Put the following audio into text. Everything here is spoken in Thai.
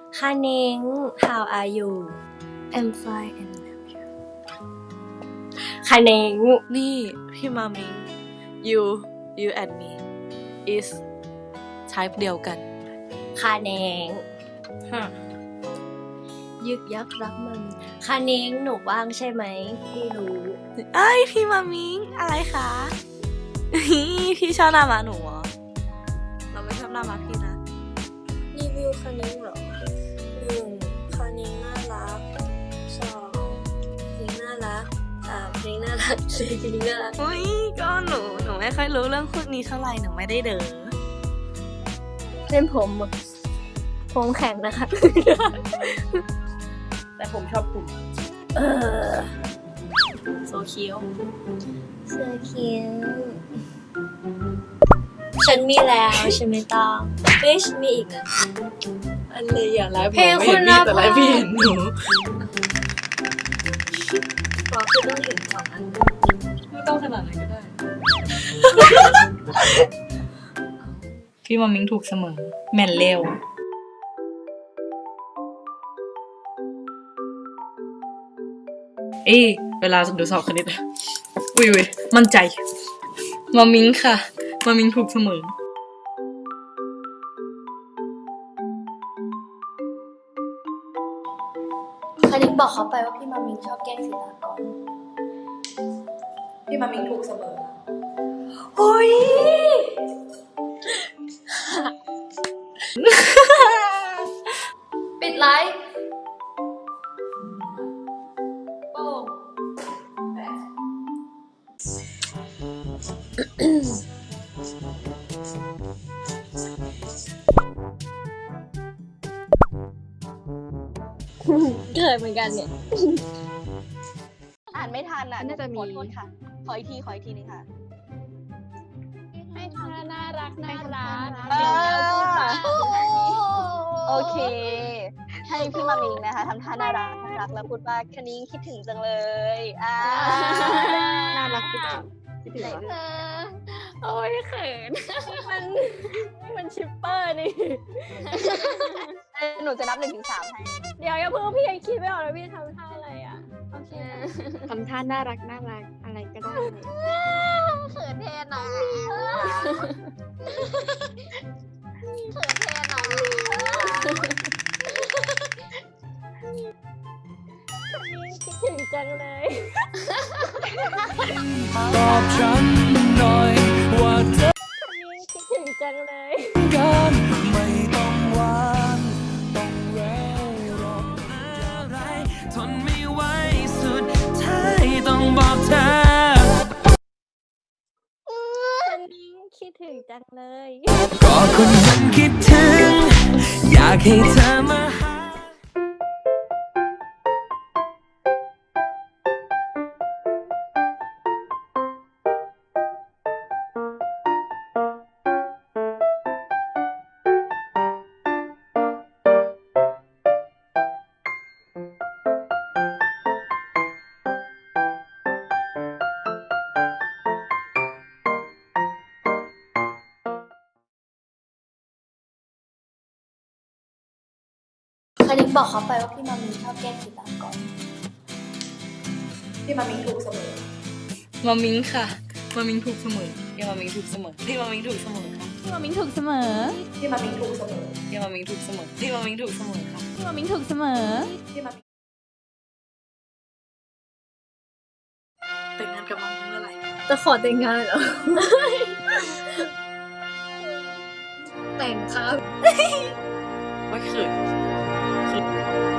คาเน้ง how are you I'm fine and love you คาเน้งนี่พี่มามิง you and me is type เดียวกันคาเน้งยึกยักรักมันคาเน้งหนูว่างใช่ไหมพี่รู้เอ้ยพี่มามิงอะไรคะ พี่ชอบหน้าม้าหนูเหรอเราไม่ชอบหน้าม้าพี่นะรีวิวคานิ้งเหรอ1คานิ้งน่ารัก2เพลงน่ารัก3เพลงน่ารัก4เพลงน่ารักอุ้ยก็หนูไม่ค่อยรู้เรื่องพวกนี้เท่าไหร่หนูไม่ได้เด้อเล่นผมแข็งนะคะแต่ผมชอบคุณ โซเคียวเสื้อคิ้วฉันมีแล้วฉันไม่ต้องเฮ้ยฉันมีอีกนะอะไรอย่าไลฟ์เพลงคุณภาพแต่ไลฟ์พี่เห็นหนูขอคือต้องถึง2 อันไม่ต้องขนาดนั้นก็ได้ พี่มามิงถูกเสมอแม่นเร็วเวลาดูสอบคณิตอุ้ยมั่นใจมามิงค่ะมามิงถูกเสมอคาเน้งบอกเขาไปว่าพี่มามิงชอบแกล้งศิลากรพี่มามิงถูกเสมอโอ้ย ปิดไลฟ์โป้งเกิดเหมือนกันเนี่ยอ่านไม่ทันอ่ะน่าจะมีขอโทษค่ะ ขออีกทีนึงค่ะให้ทำน่ารักน่ารักเออโอเค ให้พี่มามิงนะคะทำท่าน่ารักแล้วพูดว่าคณิ้งคิดถึงจังเลยน่ารักจริงคิดถึงวะโอ้ยเขินมันชิปเปอร์นี่หนูจะนับ1 ถึง 3ให้เดี๋ยวอย่าเพิ่งพี่ยังคิดไม่ออกเลยพี่ทำท่าอะไรอ่ะโอเคทำท่าน่ารักอะไรก็ได้เขินแทนน้องเขินแทนน้องคิดถึงจังเลยตอบฉันหน่อยว่าเธอคิดถึงจังเลยกันไม่ต้องหวานต้องแววหรอกอะไรทนไม่ไหวสุดท้ายต้องบอกเธอคิดถึงจังเลยก็คนมันคิดถึงอยากให้เธอมาหาคาเน้งบอกเขาไปว่าพี่มามิงชอบแกล้งศิลากรพี่มามิงถูกเสมอมามิงค่ะมามิงถูกเสมอพี่มามิงถูกเสมอพี่มามิงถูกเสมอค่ะพี่มามิงถูกเสมอพี่มามิงถูกเสมอพี่มามิงถูกเสมอพี่มามิงถูกเสมอค่ะพี่มามิงถูกเสมอพี่มามิงแต่งงานกับมามิงเมื่อไหร่จะขอแต่งงานเหรอ แต่งครับไม่เขิน